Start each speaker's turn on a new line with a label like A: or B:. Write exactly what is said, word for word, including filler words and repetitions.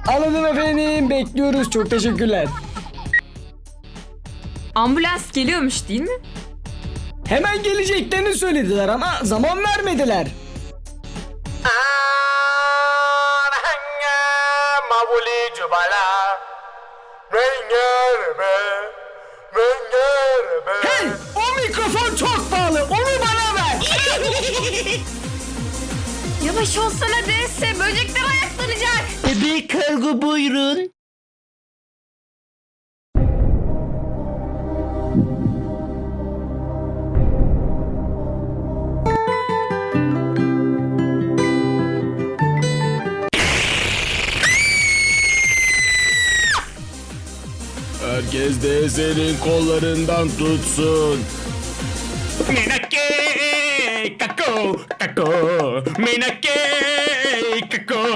A: Anladım efendim, bekliyoruz, çok teşekkürler.
B: Ambulans geliyormuş değil mi?
A: Hemen geleceklerini söylediler ama zaman vermediler. Hey, o mikrofon çok pahalı, onu bana ver.
B: Yavaş olsana D S, böcekler ayaklanacak.
C: Bebek kargo buyurun.
D: Herkes D S'nin kollarından tutsun. Minake kako kako minake kako